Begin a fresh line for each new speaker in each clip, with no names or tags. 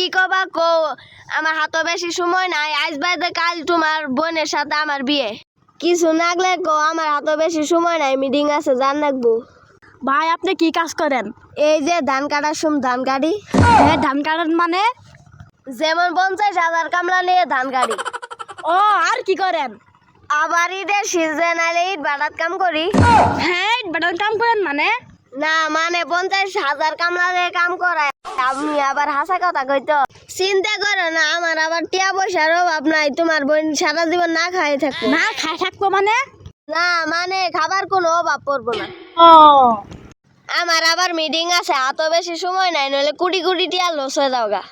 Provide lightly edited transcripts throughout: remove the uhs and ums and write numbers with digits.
কবা কো আমার হাতে বেশি সময় নাই আজ বাদে কাল তোমার বোনের সাথে আমার বিয়ে কিছু নাগলে কো আমার হাতে বেশি সময় নাই মিটিং আছে জান রাখবো
ভাই আপনি কি কাজ করেন?
এই যে ধান কাটার সময় ধান কাটি
হ্যাঁ ধান কাটান মানে?
যেমন 50,000 কামলা নিয়ে ধান কাটি
ও আর কি করেন?
আবার ঈদের সিজন আইলে ঈদ বাটাত কাম করি
হ্যাঁ বাটার কাম করেন মানে?
না মানে 50,000 কামলা দিয়ে কাম করায় আপনি আবার হাসা কথা কইতো চিন্তা করো না আমার আবার টিয়া পয়সার অভাব নাই তোমার বোন সারা জীবন না খাই থাকবো
না খাই থাকবো মানে?
না মানে খাবার কোনো অভাব পড়বো না
ও
আমার আবার মিটিং আছে এত বেশি সময় নাই নইলে কোটি কোটি টিয়া লস হয়ে যাও গা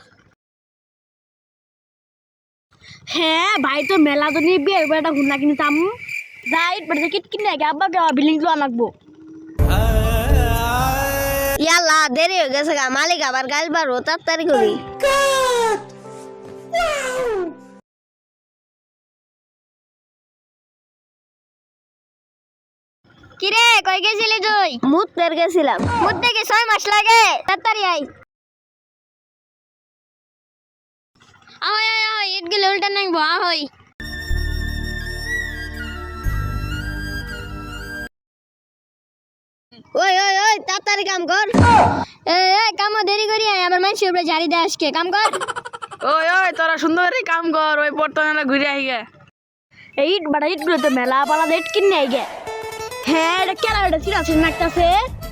হ্যাঁ ভাই তো মেলা তো নিয়ে বিয়ে একটা ঘুরনা কিনতাম যাই বাড়িতে কিট কিনে আগে আব্বাকে বিল্ডিং তো আনাকবো
ইয়াল্লা দেরি হয়ে গেছে গা মালিক আবার গাল বাড়ো তাড়াতাড়ি করি
কিরে কই গেছিলি তুই?
মুতের গেছিলাম
মুদ্দে কি 6 মাস লাগে? তাড়াতাড়ি আই আহই আহই আহই ইট গেলে উল্টা নাইবো আহই
ওই ওই ওই তাড়াতাড়ি কাম কর
এ কাম দেরি করি আয় আমার মানুষের উপরে জারি দে আজকে কাম কর
ওই ওই তোরা সুন্দর কাম কর ওই বর্তমানে ঘুরে আই গে
এই ইট বাড়া ইট গুলো তো মেলা পালা ইট কিনে আই গে হ্যাঁ এটা কেলা এটা চিরা চিরা নাকতাছে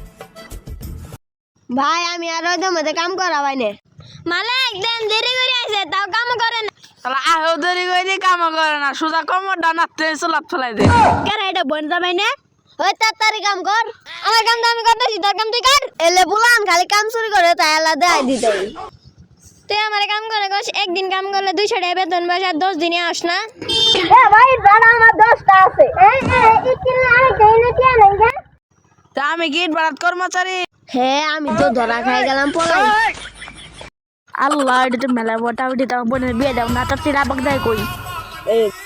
ভাই আমি আর ওই মধ্যে কাম করা বাইনে
মালিক দেন দেরি করে আইছে তাও কাম করে না
তাহলে আহেও দেরি করে কাম করে না সোজা কমর ডানাতে চলাপ ফেলাই দে
কেরা এটা বন যাবাই না
ওই তাড়াতাড়ি কাম কর
আমার কাম তো আমি করতেছি তোর কাম তুই কর
এলে বুলান খালি কাম চুরি করে তাই আল্লাহ দেয় দিতে
তুই আমার কাম করে গছ একদিন কাম করলে 200 টাকা বেতন বসে আর 10 দিনে আস না
ভাই জানা আমার 10টা আছে
তা আমি গিট বাড়াত কর্মচারী
হ্যাঁ আমি তো ধরা খাই গেলাম পলাই
আল্লাহ এটা তো মেলা বটা উঠে তাও বোনের বিয়ে দাও না তার তিরা বাগদাই কই